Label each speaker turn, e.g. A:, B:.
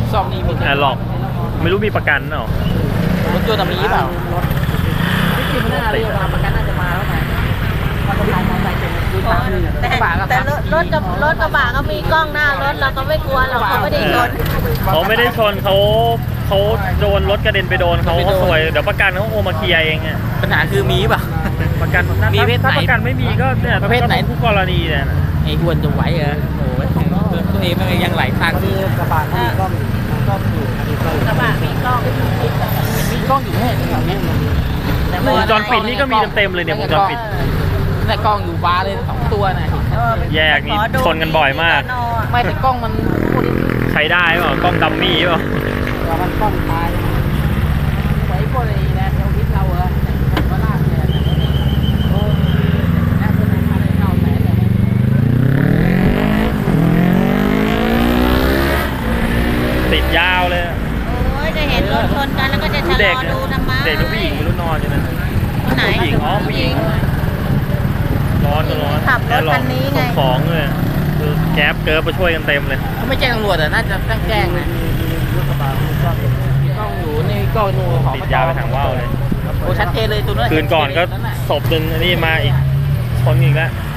A: ซองนี้มี
B: หลอกไม่รู้มีประกันเนาะ
A: รถยนต์มีเปล่าที่จริงมันน่าเรียกว่าประกันน่าจะมาแล้วไง
C: แต่รถกระบะก็มีกล้องหน้ารถเราก็ไม่กลัวเราเขาไม่ได้ชน
B: เขาไม่ได้ชนเขาโดนรถกระเด็นไปโดนเขาสวยเดี๋ยวประกันเขาโอมาเคลียร์เองอ่ะ
A: ปัญหาคือมีเปล่า
B: ประกัน
A: มีเพศไหน
B: ถ้าประกันไม่มีก็เนี่ย
A: ประเภทไหน
B: ผู้กรณีเนี่ย
A: ไอ้อ้วนจะไหวเหรอโอ้ยตัวเองมันยังไหลทางคือกระบะมีกล้องอยู่
C: กระบะมีกล้อง
A: มีกล้องอยู่แค่แถวนี้
B: วงจรปิดนี่ก็มีเต็มเลยเนี่ยวงจรปิด
A: แต่กล้องอยู่บาร์เลย2 ตัวนะ
B: แยกนี่ชนกันบ่อยมาก
A: ไม่แต่กล้องมัน
B: ใช้ได้เปล่ากล้องดัมมี่เปล่า
A: มันกล้องตายไว้พวกนี้นะเอลวิสเราเหรอก็ลากเนี่ยโอ้น่าจะเป็นอะไรเน่าแหน่
B: ติดยาวเลย
C: โอ้ยจะเห็นรถชนกันแล้วก็จะชะลอดูทำไม
B: เด็กกับผู้หญิงไม่รู้นอนอยู่นั่น
C: ไหน
B: ผู้หญิงผู้หญิงร้อน
C: ขับรถคันนี้ไง
B: ของเลยคือแก๊ปเกิร์ฟมาช่วยกันเต็มเลย
A: เขาไม่แจ้งตำรวจอ่ะน่าจะตั้งแจ้งนะกล้องอยู่ในกล้องนูของ
B: ติดยาวไปทางว่าวเลย
A: โอ้ชัดเจนเลยตัวนั้น
B: คืนก่อนก็ศพหนึ่งนี่มาอีกชนอีกแล้ว